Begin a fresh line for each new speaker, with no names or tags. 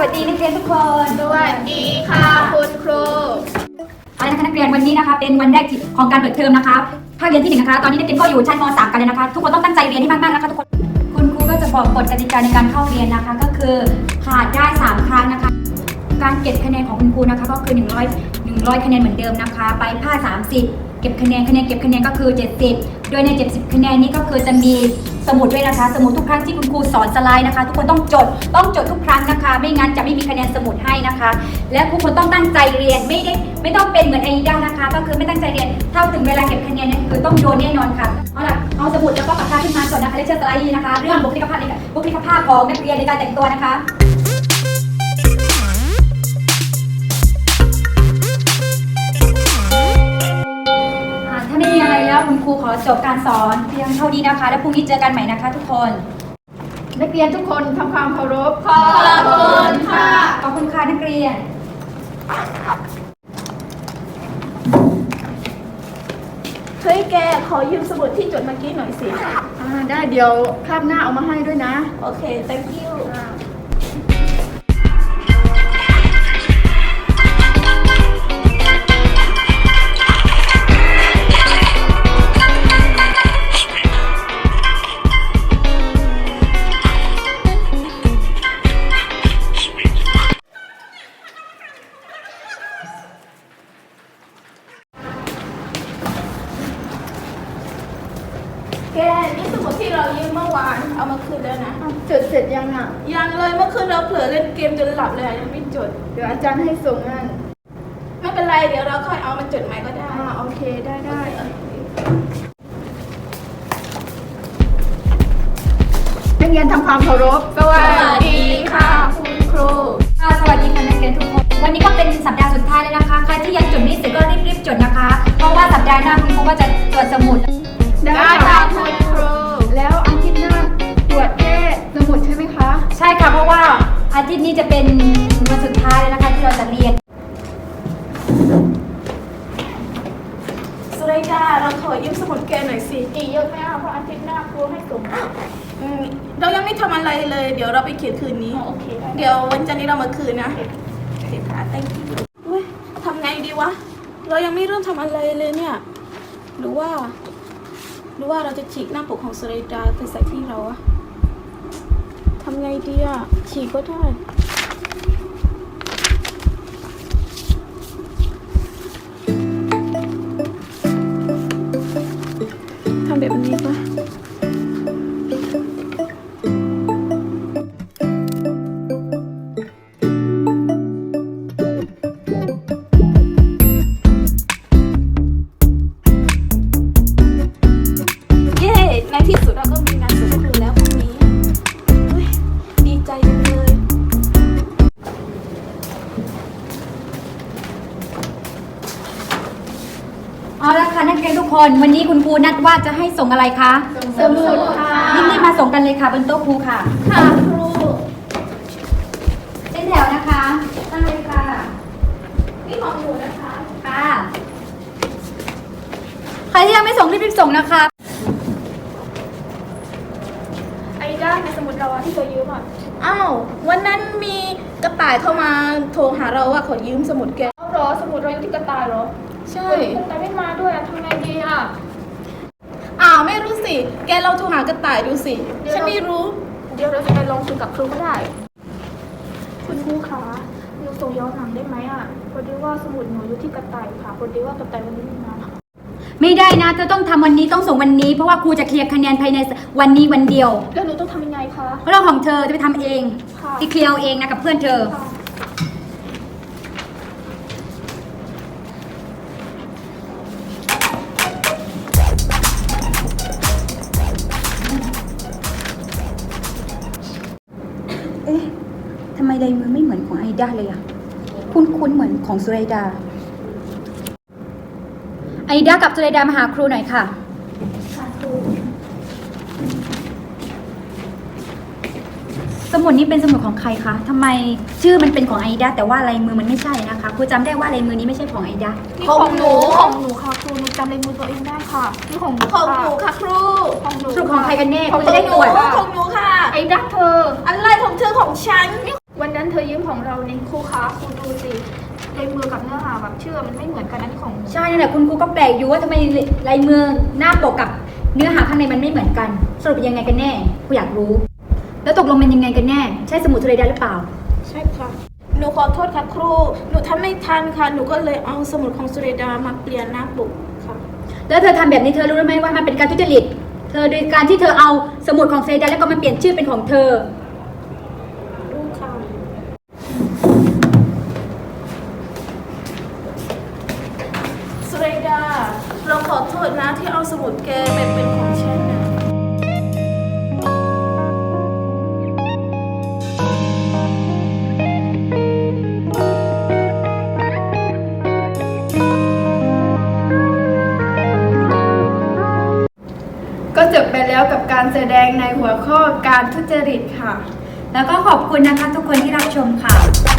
วัสดีนักเรียนทุกคน
สวัสดีค่ะคุณครู
เอาละค่ะนักเรียนวันนี้นะคะเป็นวันแรกของการเปิดเทอมนะคะภาคเรียนที่1นะคะตอนนี้นักเรียนก็อยู่ชั้นม.3 กันเลยนะคะทุกคนต้องตั้งใจเรียนให้มากๆนะคะทุกคนคุณครูก็จะบอกกฎกติกาในการเข้าเรียนนะคะก็คือขาดได้3ครั้งนะคะการเก็บคะแนนของคุณครูนะคะก็คือ100คะแนนเหมือนเดิมนะคะไปภาค30เก็บคะแนนเก็บคะแนนก็คือ70โดยใน70คะแนนนี้ก็คือจะมีสมุดด้วยนะคะสมุดทุกครั้งที่คุณครูสอนสไลด์นะคะทุกคนต้องจดทุกครั้งนะคะไม่งั้นจะไม่มีคะแนนสมุดให้นะคะและทุกคนต้องตั้งใจเรียนไม่ต้องเป็นเหมือนไอด้านะคะก็คือไม่ตั้งใจเรียนถ้าถึงเวลาเก็บคะแนนเนี่ยคือต้องโดนแน่นอนค่ะเอาล่ะเอาสมุดแล้วก็ปากกาขึ้นมาก่อนนะคะเลคเชอร์สไลด์นะคะเรื่องบุคลิกภาพของนักเรียนในการแต่งตัวนะคะถ้าไม่มีอะไรแล้วคุณครูขอจบการสอนเพียงเท่านี้นะคะแล้วพรุ่งนี้เจอกันใหม่นะคะทุกคน
นักเรียนทุกคนทำความเคารพขอบคุณค่ะ
ขอบคุณค่ะนักเรียน
เฮ้ยแกขอยืมสมุดที่จดเมื่อกี้หน่อยสิได้เดี๋ยวคาบหน้าเอามาให้ด้วยนะโอเค thank youแกนี่สมุดที่เรายืมเมื่อวานเอามาคืนแล้วนะ
จดเสร็จยังอ่ะ
ยังเลยเมื่อคืนเราเผลอเล่นเกมจนหลับเลยยังไม่จด
เดี๋ยวอาจารย์ให้ส่งงาน
ไม่เป็นไรเดี๋ยวเราค่อยเอามาจดใหม่ก็ได้
โอเคได้นักเรียนทำความเคารพ
สวัสดีค่ะคุณครู
สวัสดีค่ะนักเรียนทุกคนวันนี้ก็เป็นสัปดาห์สุดท้ายแล้วนะคะใครที่ยังจดไม่เสร็จก็รีบจดนะคะเพราะว่าสัปดาห์หน้าคุณครูก็จะตรวจสมุด
ได้ค่ะคุณครู
แล้วอาทิตย์หน้าตรวจแค่สมุดใช่ไหมคะ
ใช่ค่ะเพราะว่าอาทิตย์นี้จะเป็นวันสุดท้ายแล้วนะคะที่เราจะเรียน
สุริยาเราขอยืมสมุดแกหน่อยสิเยอะไหมอ่ะเพราะอาทิตย์หน้าครูให้ส่งเรายังไม่ทำอะไรเลยเดี๋ยวเราไปเขียนคืนนี้
โอเค
เดี๋ยววันจันทร์นี้เรามาคืนนะเดี๋ยวค่ะ thank you ทำไงดีวะเรายังไม่เริ่มทำอะไรเลยเนี่ยหรือว่าเราจะฉีกหน้าปกของสุริยาไปใส่ที่เราอะทำไงดีอะฉีกก็ได้ทำแบบนี้ปะในที่สุดเราก็มีงานสุดคืนแล้วพรุ่งนี้ดีใจจังเลย
เอาละค่ะนักเรียนทุกคนวันนี้คุณครูนัดว่าจะให้ส่งอะไรคะ
สมุดค่ะ
รีบมาส่งกันเลยค่ะบนโต๊ะครูค่ะ
ค่ะครู
เส้นแถวนะคะตั้งเลยค่ะ
นี่ของหนูนะคะ
ค่ะใครที่ยังไม่ส่งรีบส่งนะคะ
ไอ้ด้านในสมุดเราที่เรายืมอ้าววันนั้นมีกระต่ายเข้ามาโทรหาเราว่าขอยืมสมุดแก
เหรอสมุดเราอยู่ที่กระต่ายเหรอ
ใช่
กระต่ายไม่มาด้วยทำไงดีอ่ะ
ไม่รู้สิแกเราโทรหากระต่ายดูสิฉันไม่รู้
เดี๋ยวเราจะไปลองคุยกับครูก็ได้คุณครูคะหนูส่งย้อนหลังได้ไหมอ่ะพอดีว่าสมุดหนูอยู่ที่กระต่ายค่ะพอดีว่ากระต่ายวันนี้ไม่มา
ไม่ได้นะเธอต้องทำวันนี้ต้องส่งวันนี้เพราะว่าครูจะเคลียร์คะแนนภายในวันนี้วันเดียว
แล้วหนูต้องทำยังไงคะ
เรื่องของเธอจะไปทำเองที่เคลียร์เองนะกับเพื่อนเธอทำไมลายมือไม่เหมือนของไอด้าเลยอะคุ้นเหมือนของสุไรดาไอด้ากับสุไรดามาหาครูหน่อยค่ะสมุดนี้เป็นสมุดของใครคะทำไมชื่อมันเป็นของไอด้าแต่ว่าลายมือมันไม่ใช่นะคะครูจำได้ว่าลายมือนี้ไม่ใช่ของไอด้า
ของหนูค่ะครูหนูจำลายมือตัวเองได้ค่ะนี่ของหนู
ค่ะครู
ของใครกันแน่ครูจะได้ตรวจ
ของหนูค่ะ
ไอด้าเธอ
อะไรของเธอของฉัน
วันนั้นเธอยืมของเรานี่ครูคะครูดูสิลายมือกับเนื้อหาแบบชื่อมันไม่เหมือนกันนั่นของ
ใช่นั่นแหละคุณครูก็แปลกอยู่ว่าทำไมลายมือหน้าปกกับเนื้อหาข้างในมันไม่เหมือนกัน สรุปยังไงกันแน่ครูอยากรู้ แล้วตกลงเป็นยังไงกันแน่ ใช่สมุดสุเรดาหรือเปล่า
ใช่ค่ะ หนูขอโทษค่ะครู หนูทำไม่ทันค่ะ หนูก็เลยเอาสมุดของสุเรดามาเปลี่ยนหน้าปกค่ะ
แล้วเธอทำแบบนี้เธอรู้ไหมว่ามันเป็นการทุจริต เธอโดยการที่เธอเอาสมุดของสุเรดาแล้วก็มาเปลี่ยนชื่อเป็นของเธอ
รู้ค่ะ สุเรดา เราขอโทษนะที่เอาสมุดแกไปเป็นของฉันนะ
ก็จบไปแล้วกับการแสดงในหัวข้อการทุจริตค่ะ
แล้วก็ขอบคุณนะคะทุกคนที่รับชมค่ะ